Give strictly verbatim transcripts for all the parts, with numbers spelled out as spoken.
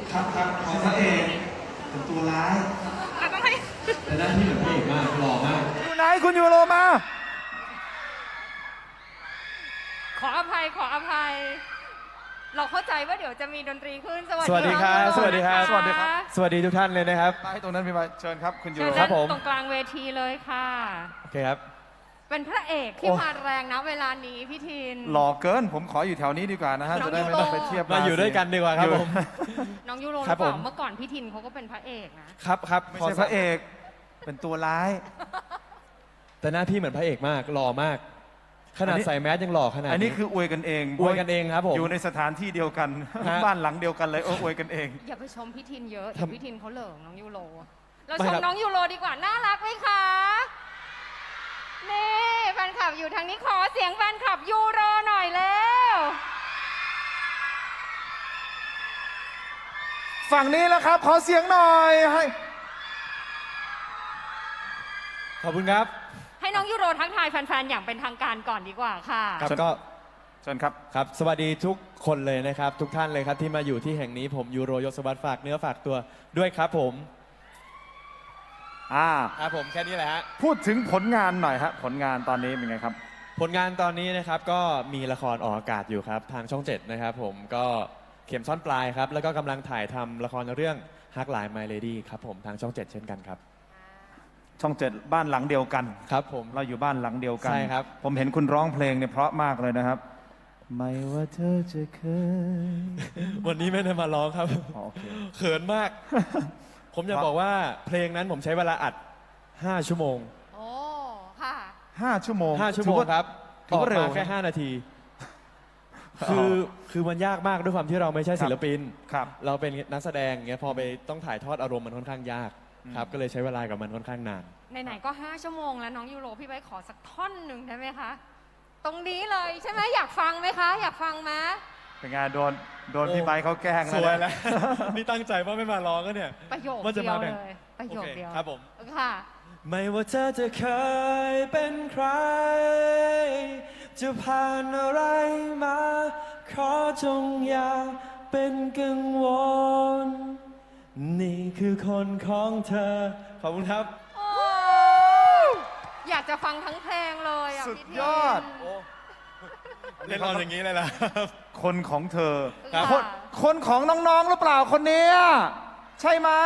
ครับครับของพระเอกเป็นตัวร้ายแต่หน้าที่เหมือนพระเอกมากหล่อมากอยู่ไหนคุณยูโรมาขออภัยขออภัย เราเข้าใจว่าเดี๋ยวจะมีดนตรีขึ้น สวัสวัสดีครับน้องสวัสดีครับนะะสวัสดีครับ สวัสดีทุกท่านเลยนะครับไปตรงนั้นมีไหมเชิญครับคุณยูเชิโรญครันั่บผมงตรงกลางเวทีเลยค่ะโอเคครับเป็นพระเอกที่โอ้มาแรงนะเวลานี้พี่ทินหล่อเกินผมขออยู่แถวนี้ดีกว่านะฮะน้องจะได้ไม่ต้องไปเทียบมาอยู่ด้วยกันดีกว่าครับอยู่ผมน้องยูโรหครัรืบอเปล่าผมเมื่อก่อนพี่ทินเขาก็เป็นพระเอกนะครับครับไม่ขอใช่พระเอกเป็นตัวร้ายแต่หน้าพี่เหมือนพระเอกมากหล่อมาก ขนาดอันนี้ใส่แมสยังหล่อขนาดอันนี้คืออวยกันเองอวยกันเองครับผมอยู่ในสถานที่เดียวกันฮะบ้านหลังเดียวกันเลยโอ้อวยกันเองอย่าไปชมพี่ทินเยอะทำเดี๋ยวพี่ทินเขาเหลิงน้องยูโร เราไม่ชมครับน้องยูโรดีกว่า น่ารักไหมคะ นี่แฟนคลับอยู่ทางนี้ขอเสียงแฟนคลับยูโรหน่อยเร็วฝั่งนี้แล้วครับ ขอเสียงหน่อยให้ขอบคุณครับให้น้องยูโรทักทายแฟนๆ อย่างเป็นทางการก่อนดีกว่าค่ะครับเชิญก็เชิญครับครับสวัสดีทุกคนเลยนะครับ ทุกท่านเลยครับที่มาอยู่ที่แห่งนี้ผมยูโรยศวัตรฝากเนื้อฝากตัวด้วยครับผมอ่าครับผมแค่นี้แหละฮะพูดถึงผลงานหน่อยฮะผลงานตอนนี้เป็นไงครับผลงานตอนนี้นะครับก็มีละครออกอากาศอยู่ครับทางช่องเจ็ดนะครับผมก็เข็มซ่อนปลายครับแล้วก็กำลังถ่ายทำละครเรื่องฮักหลาย My Lady ครับผมทางช่องเจ็ดเช่นกันครับช่องเจ็ดบ้านหลังเดียวกันครับผมเราอยู่บ้านหลังเดียวกันใช่ครับผมเห็นคุณร้องเพลงเนี่ยเพราะมากเลยนะครับ ไม่ว่าเธอจะเคยวันนี้ไม่ได้มาร้องครับอ๋อโอเคเขินมาก ผมจะบอกว่าเพลงนั้นผมใช้เวลาอัดห้าชั่วโมงโอ้ ค่ะห้าชั่วโมงห้าชั่วโมงถือครับถือว่าเร็วกมแค่ห้านาที คือคือมันยากมากด้วยความที่เราไม่ใช่ศิลปินครับเราเป็นนักแสดงเงี้ยพอไปต้องถ่ายทอดอารมณ์มันค่อนข้างยากครับก็เลยใช้เวลากับมันค่อนข้างนานไหนๆ ก็ห้าชั่วโมงแล้วน้องยูโรพี่ไบร์ทขอสักท่อนหนึ่งได้ไหมคะ ตรงนี้เลยใช่ไหมอยากฟังไหมคะ อยากฟังไหมเป็นไงโดนโดนโอ้พี่ไบค์เขาแกล้งสวยนะแล้ว นี่ตั้งใจว่าไม่มาร้องก็เนี่ยประโยคว่าจะเดียมาว แบ่เลงย ประโยคโอเคเดียวครับผมค่ะไม่ว่าเธอจะเคยเป็นใคร จะผ่านอะไรมา ขอจงอย่าเป็นกังวล นี่คือคนของเธอ ขอบคุณครับโอ้อยากจะฟังทั้งเพลงเลยอ่ะสุดพี่ทินยอดเล่นเราอย่างนี้เลยล่ะคนของเธอครับคนคนของน้องๆหรือเปล่าคนเนี้ยใช่ไหม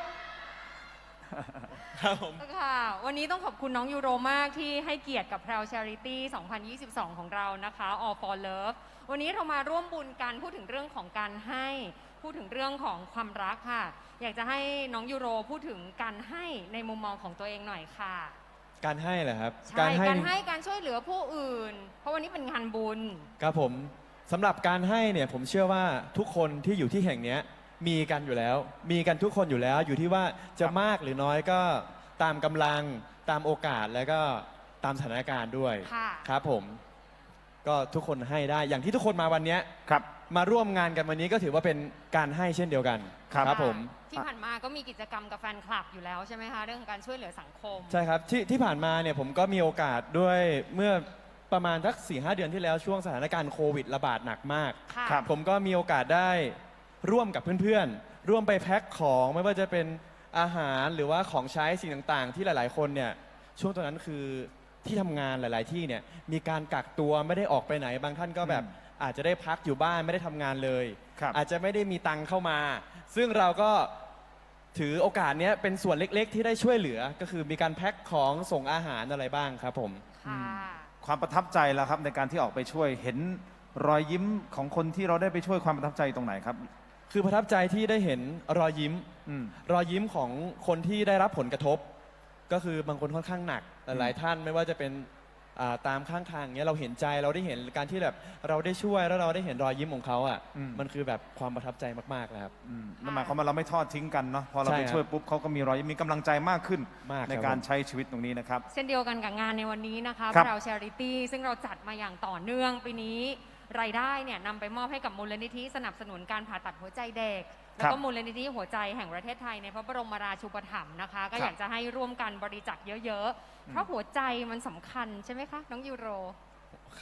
ครับผมค่ะ วันนี้ต้องขอบคุณน้องยูโรมากที่ให้เกียรติกับ Proud Charity สองพันยี่สิบสอง ของเรานะคะ All for Love วันนี้เรามาร่วมบุญกันพูดถึงเรื่องของการให้ พูดถึงเรื่องของความรักค่ะ อยากจะให้น้องยูโรพูดถึงการให้ในมุมมองของตัวเองหน่อยค่ะการให้เหรอครับใช่ การให้การช่วยเหลือผู้อื่น เพราะวันนี้เป็นงานบุญครับผมสำหรับการให้เนี่ยผมเชื่อว่าทุกคนที่อยู่ที่แห่งเนี้ยมีกันอยู่แล้ว มีกันทุกคนอยู่แล้ว อยู่ที่ว่าจะมากหรือน้อยก็ตามกำลังตามโอกาสแล้วก็ตามสถานการณ์ด้วยค่ะครับผมก็ทุกคนให้ได้อย่างที่ทุกคนมาวันเนี้ยครับมาร่วมงานกันวันนี้ก็ถือว่าเป็นการให้เช่นเดียวกันครับผมที่ผ่านมาก็มีกิจกรรมกับแฟนคลับอยู่แล้วใช่ไหมคะ เรื่องของการช่วยเหลือสังคมใช่ครับที่ที่ผ่านมาเนี่ยผมก็มีโอกาสด้วยเมื่อประมาณสักสี่ห้าเดือนที่แล้วช่วงสถานการณ์โควิดระบาดหนักมากค่ะครับผมก็มีโอกาสได้ร่วมกับเพื่อนๆ ร่วมไปแพ็คของไม่ว่าจะเป็นอาหารหรือว่าของใช้สิ่งต่างๆ ที่หลายๆ คนเนี่ยช่วงตอนนั้นคือที่ทำงานหลาย ๆ ที่เนี่ยมีการกักตัวไม่ได้ออกไปไหน บางท่านก็แบบอาจจะได้พักอยู่บ้านไม่ได้ทำงานเลยครับอาจจะไม่ได้มีตังค์เข้ามา ซึ่งเราก็ถือโอกาสเนี้ยเป็นส่วนเล็กๆ ที่ได้ช่วยเหลือก็คือมีการแพ็คของส่งอาหารอะไรบ้างครับผมค่ะความประทับใจแล้วครับในการที่ออกไปช่วยเห็นรอยยิ้มของคนที่เราได้ไปช่วยความประทับใจตรงไหนครับคือประทับใจที่ได้เห็นรอยยิ้มอืมรอยยิ้มของคนที่ได้รับผลกระทบ ก็คือบางคนค่อนข้างหนักหลายๆท่านไม่ว่าจะเป็นอ่าตามข้างทางเนี้ยเราเห็นใจเราได้เห็นการที่แบบเราได้ช่วยแล้วเราได้เห็นรอยยิ้มของเขาอ่ะอืมมันคือแบบความประทับใจมากๆเลยครับอืมนั่นหมายความว่าเราไม่ทอดทิ้งกันเนาะพอเราใช่ไปครับช่วยปุ๊บเขาก็มีรอยยิ้มมีกำลังใจมากขึ้นมากครับในการใช้ชีวิตตรงนี้นะครับเช่นเดียวกันกับงานในวันนี้นะคะครับ Proud Charity ซึ่งเราจัดมาอย่างต่อเนื่องปีนี้รายได้เนี่ยนำไปมอบให้กับมูลนิธิสนับสนุนการผ่าตัดหัวใจเด็ก แล้วก็มูลนิธิหัวใจแห่งประเทศไทยในพระบรมราชูปถัมภ์นะคะ ก็อยากจะให้ร่วมกันบริจาคเยอะๆ เพราะหัวใจมันสำคัญใช่ไหมคะ น้องยูโรครับ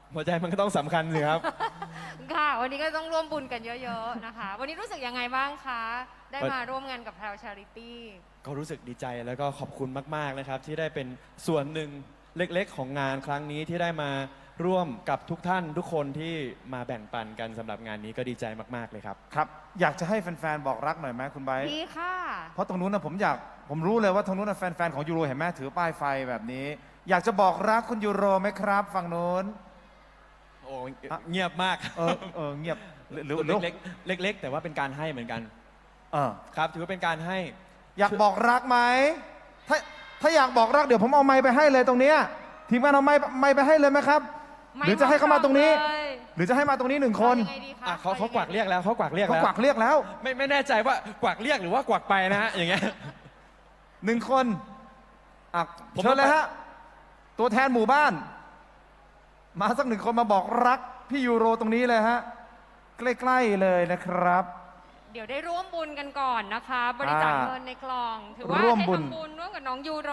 หัวใจมันก็ต้องสำคัญสิครับค่ะ วันนี้ก็ต้องร่วมบุญกันเยอะๆนะคะ วันนี้รู้สึกยังไงบ้างคะ ได้วันมาร่วมงานกับแพรวชาริตี้ก็รู้สึกดีใจแล้วก็ขอบคุณมากๆนะครับ ที่ได้เป็นส่วนหนึ่งเล็กๆ ของงานครั้งนี้ที่ได้มาร่วมกับทุกท่านทุกคนที่มาแบ่งปันกันสำหรับงานนี้ก็ดีใจมากๆเลยครับครับ อยากจะให้แฟนๆ บอกรักหน่อยไหมคุณไบร์ทดีค่ะเพราะตรงนู้นนะผมอยาก ผมรู้เลยว่าตรงนู้นนะแฟนๆ ของยูโรเห็นไหมถือป้ายไฟแบบนี้ อยากจะบอกรักคุณยูโรไหมครับ ฝั่งนู้นโอ้เงียบมากเออเออเงียบหรือหรือตัวเล็กๆเล็ก ๆ แต่ว่าเป็นการให้เหมือนกันเออครับ ถือว่าเป็นการให้อยากบอกรักไหมถ้าถ้าอยากบอกรักเดี๋ยวผมเอาไม้ไปให้เลยตรงเนี้ยทีมงานเอาไม้ไม้ไปให้เลยไหมครับไม่หรือจะให้เขามาตรงนี้เลยหรือจะให้มาตรงนี้หนึ่งคนเอายังไงดีคะอ่ะเขาเขากวักเรียกแล้วเขากวักเรียกเขาแล้วกวักเรียกแล้วไม่ไม่แน่ใจว่ากวักเรียกหรือว่ากวักไปนะฮะอย่างเงี้ยหนึ่งคนอ่ะผมเชิญเลยฮะ ตัวแทนหมู่บ้าน มาสักหนึ่งคนมาบอกรักพี่ยูโรตรงนี้เลยฮะ ใกล้ๆเลยนะครับเดี๋ยวได้ร่วมบุญกันก่อนนะคะ บริจาคอ่าเงินในกล่อง ถือว่าร่วมได้บุญทำบุญร่วมกับน้องยูโร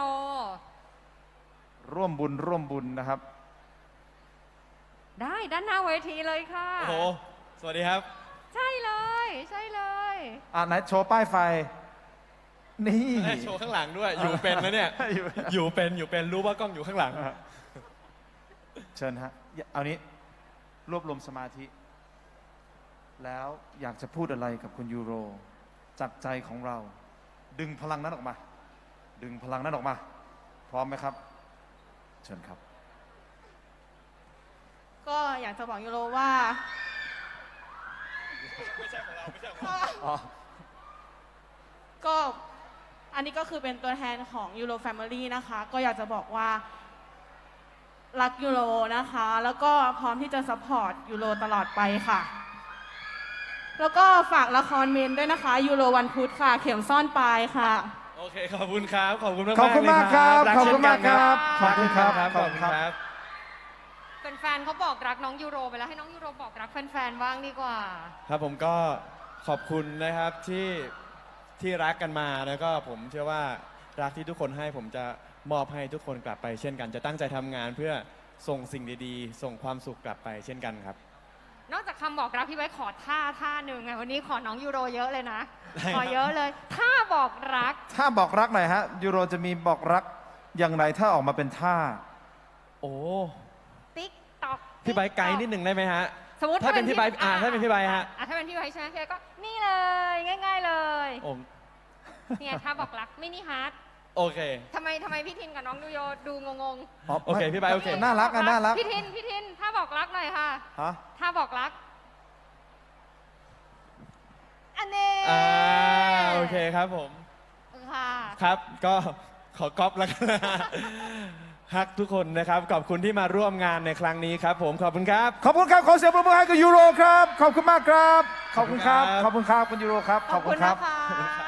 ร่วมบุญร่วมบุญนะครับได้ด้านหน้าเวทีเลยค่ะโอ้โห สวัสดีครับใช่เลย ใช่เลยอ่ะไหนโชว์ป้ายไฟ นี่โชว์ข้างหลังด้วย อยู่เป็นนะเนี่ยอยู่อยู่เป็นอยู่เป็นรู้ว่ากล้องอยู่ข้างหลังเชิญฮะเอานี้รวบรวมสมาธิ แล้วอยากจะพูดอะไรกับคุณยูโร จากใจของเรา ดึงพลังนั้นออกมา ดึงพลังนั้นออกมา พร้อมไหมครับ เชิญครับก็อยากจะบอกยูโรว่าอ๋อก็อันนี้ก็คือเป็นตัวแทนของยูโรแฟมิลี่นะคะ ก็อยากจะบอกว่ารักยูโรนะคะ แล้วก็พร้อมที่จะซัพพอร์ตยูโรตลอดไปค่ะ แล้วก็ฝากละครเมนด้วยนะคะยูโรวันพุธค่ะ เข็มซ่อนปลายค่ะโอเค ขอบคุณครับ ขอบคุณมากๆขอบคุณมากครับเลยขอบคุณมากครับ ขอบคุณครับรักขขออบบ คุคุณ ณคครัรับ บแฟนๆเขาบอกรักน้องยูโรไปแล้วให้น้องยูโรบอกรักแฟนๆบ้างดีกว่าครับผมก็ขอบคุณนะครับที่ที่รักกันมาแล้วก็ผมเชื่อว่ารักที่ทุกคนให้ผมจะมอบให้ทุกคนกลับไป เช่นกัน จะตั้งใจทำงานเพื่อส่งสิ่งดีๆ ส่งความสุขกลับไปเช่นกันครับนอกจากคำบอกรักพี่ไว้ขอท่าท่าหนึ่งไงวันนี้ขอน้องยูโรเยอะเลยนะได้ครับขอเยอะเลยท่าบอกรักถ้าบอกรักหน่อยฮะ ยูโรจะมีบอกรักอย่างไรถ้าออกมาเป็นท่าโอ้ติ๊กตอกพี่ใบร์ทไกด์นิดหนึ่งได้ไหมฮะสมมติถ้าเป็นพี่ไบร์ทอ่าถ้าเป็นพี่ไบร์ทฮะอ่ถ้าเป็นพี่ไบร์ทใช่ไหมพี่ไบร์ทก็นี่เลย ง่าย ๆเลยโอ้เนี่ยท่าบอกรักมินิฮาร์ดโอเคทำไมทำไมพี่ทินกับน้องดูโยดูงงโอเคพี่ไบร์ทโอเคๆน่ารักอ่ะน่ารักพี่ทินพี่ทินท่าบอกรักหน่อยค่ะฮะท่าบอกรักอันนี้อ่าโอเคครับผมค่ะครับก็ขอก๊อปแล้วกันนะฮักทุกคนนะครับ ขอบคุณที่มาร่วมงานในครั้งนี้ครับผมขอบคุณครับขอบคุณครับ ขอเสียงปรบมือให้กับยูโรครับ ขอบคุณมากครับ ขอบคุณครับขขออบบ คุคุณ ณคครัรับ บคุณยูโรครับ ขอบคุณครับนะคะ